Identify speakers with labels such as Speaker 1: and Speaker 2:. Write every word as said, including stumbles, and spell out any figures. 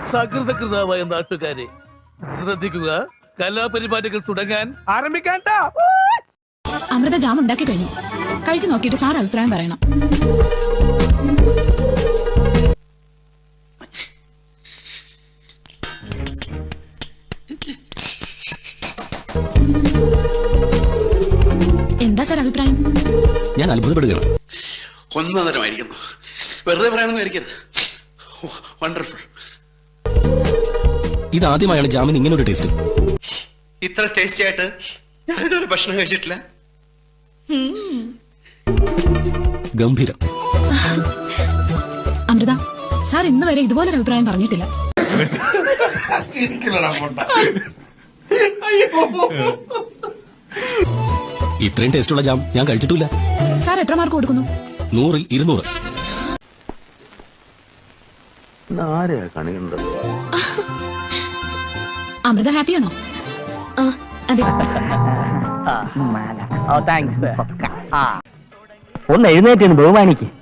Speaker 1: സകൃതകൃതാവായ നാട്ടുകാരെ ശ്രദ്ധിക്കുക, കലാപരിപാടികൾ തുടങ്ങാൻ ആരംഭിക്കാൻ.
Speaker 2: അമൃത ജാം ഉണ്ടാക്കി കഴിഞ്ഞു. കഴിച്ചു നോക്കിയിട്ട് സാർ അഭിപ്രായം പറയണം. എന്താ സാർ അഭിപ്രായം?
Speaker 3: ഞാൻ അത്ഭുതപ്പെടുകയാണ്.
Speaker 4: ഒന്നതരമായിരിക്കുന്നു. വെറുതെ പറയാനൊന്നും ആയിരിക്കരുത്. വണ്ടർഫുൾ.
Speaker 3: ഇതാദ്യമായാണ് ജാമിന് ഇങ്ങനെ ഒരു ടേസ്റ്റ്.
Speaker 4: ഇത്ര ടേസ്റ്റി ആയിട്ട് ഞാൻ ഇതുവരെ ഭക്ഷണം കഴിച്ചിട്ടില്ല.
Speaker 3: ഗംഭീരം.
Speaker 2: അമൃത, സാർ ഇന്ന് വരെ ഇതുപോലൊരു അഭിപ്രായം പറഞ്ഞിട്ടില്ല.
Speaker 3: ഇത്രയും ടേസ്റ്റുള്ള ജാം ഞാൻ കഴിച്ചിട്ടില്ല.
Speaker 2: സാർ എത്ര മാർക്ക് കൊടുക്കുന്നു?
Speaker 3: നൂറിൽ ഇരുന്നൂറ്.
Speaker 2: അമൃത ഹാപ്പിയാണോ? അതെ.
Speaker 5: ഒന്ന് എഴുന്നേറ്റ് ബഹുമാനിക്ക്.